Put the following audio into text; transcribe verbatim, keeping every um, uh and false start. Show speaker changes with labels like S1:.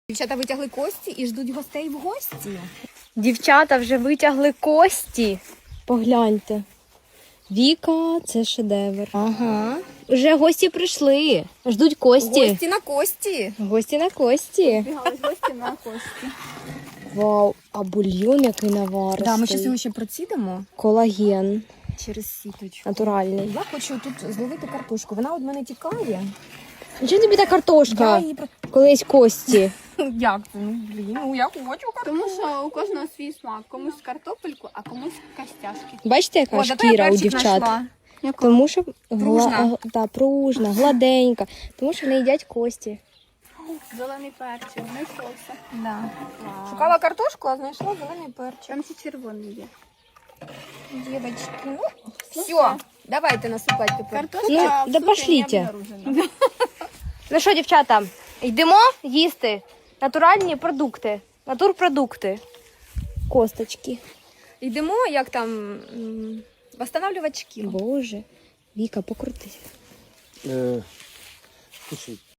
S1: Дівчата витягли кості і ждуть гостей в гості.
S2: Дівчата вже витягли кості. Погляньте. Віка, це шедевр. Ага. Вже гості прийшли. Ждуть кості.
S1: Гості на кості.
S2: Гості на кості.
S3: Бігались гості на кості.
S2: Вау, а бульйон який наваристий.
S1: Да, ми зараз його ще процідимо
S2: Колаген.
S1: через сіточку.
S2: Натуральний.
S1: Я хочу тут зловити картошку. Вона від мене тікає.
S2: Чому тобі та картошка?
S1: Я її про...
S2: Коли є кості.
S1: Як це? Ну, блін, ну я хочу картошку.
S3: Тому що у кожного свій смак. Комусь картопельку, а комусь костяшки.
S2: Бачите, яка
S1: О, зато я
S2: шкіра у
S1: перчик
S2: дівчат?
S1: знайшла.
S2: Тому що
S1: Пружна.
S2: гла... да, пружна, гладенька. Тому що вони їдять кості.
S3: Зелений перчик, знайшовся.
S1: Да.
S3: Вау.
S1: Шукала картошку, а знайшла зелений перчик.
S3: Там ще червоний є.
S1: Дівочки, ну, все, давайте насипати тепер.
S3: Картошка
S2: Ну,
S3: в
S2: да
S3: суті
S2: пошліть.
S3: не обнаружена.
S2: Ну що, дівчата, йдемо їсти натуральні продукти, натурпродукти. Косточки.
S1: Йдемо, як там, м, восстанавлювати шкіру.
S2: Боже, Віка, покрутись.
S4: Е, слушай,